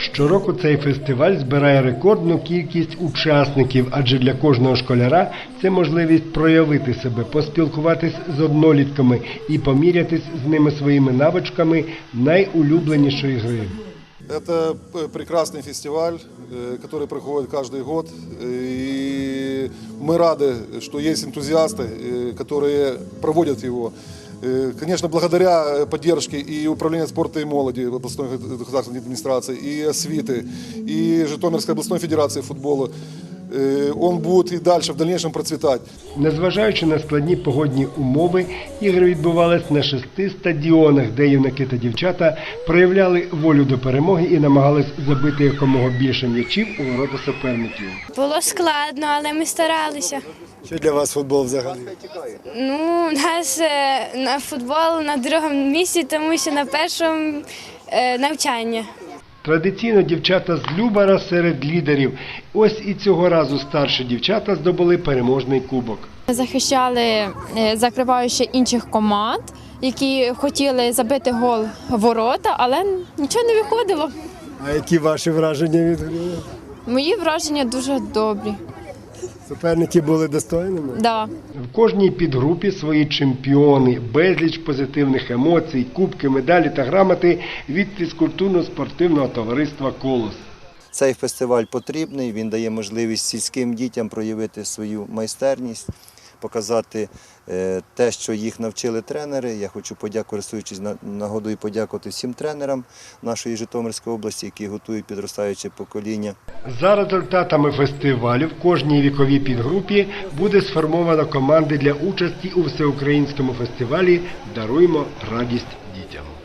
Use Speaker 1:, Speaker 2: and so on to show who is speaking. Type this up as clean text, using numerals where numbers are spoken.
Speaker 1: Щороку цей фестиваль збирає рекордну кількість учасників, адже для кожного школяра це можливість проявити себе, поспілкуватись з однолітками і помірятись з ними своїми навичками найулюбленішої гри.
Speaker 2: Это прекрасный фестиваль, который проходит каждый год. И мы рады, что есть энтузиасты, которые проводят его. Конечно, благодаря поддержке и Управления спорта и молоди областной государственной администрации, и освиты, и Житомирской областной федерации футбола, он будет и дальше в дальнейшем процветать.
Speaker 1: Незважаючи на складні погодні умови, ігри відбувались на 6 стадіонах, де юнаки та дівчата проявляли волю до перемоги і намагались забити якомога більше м'ячів у ворота суперників.
Speaker 3: Було складно, але ми старалися.
Speaker 4: Що для вас футбол взагалі?
Speaker 3: Ну, у нас на футбол на другому місці, тому що на першому навчання.
Speaker 1: Традиційно дівчата з Любара серед лідерів. Ось і цього разу старші дівчата здобули переможний кубок.
Speaker 5: Захищали, закриваючи інших команд, які хотіли забити гол в ворота, але нічого не виходило.
Speaker 4: А які ваші враження від гри?
Speaker 5: Мої враження дуже добрі.
Speaker 4: Суперники були достойними?
Speaker 5: Да.
Speaker 1: В кожній підгрупі свої чемпіони, безліч позитивних емоцій, кубки, медалі та грамоти від фізкультурно-спортивного товариства «Колос».
Speaker 6: Цей фестиваль потрібний, він дає можливість сільським дітям проявити свою майстерність, показати те, що їх навчили тренери. Я хочу, користуючись нагодою, подякувати всім тренерам нашої Житомирської області, які готують підростаюче покоління.
Speaker 1: За результатами фестивалю в кожній віковій підгрупі буде сформовано команди для участі у всеукраїнському фестивалі «Даруймо радість дітям».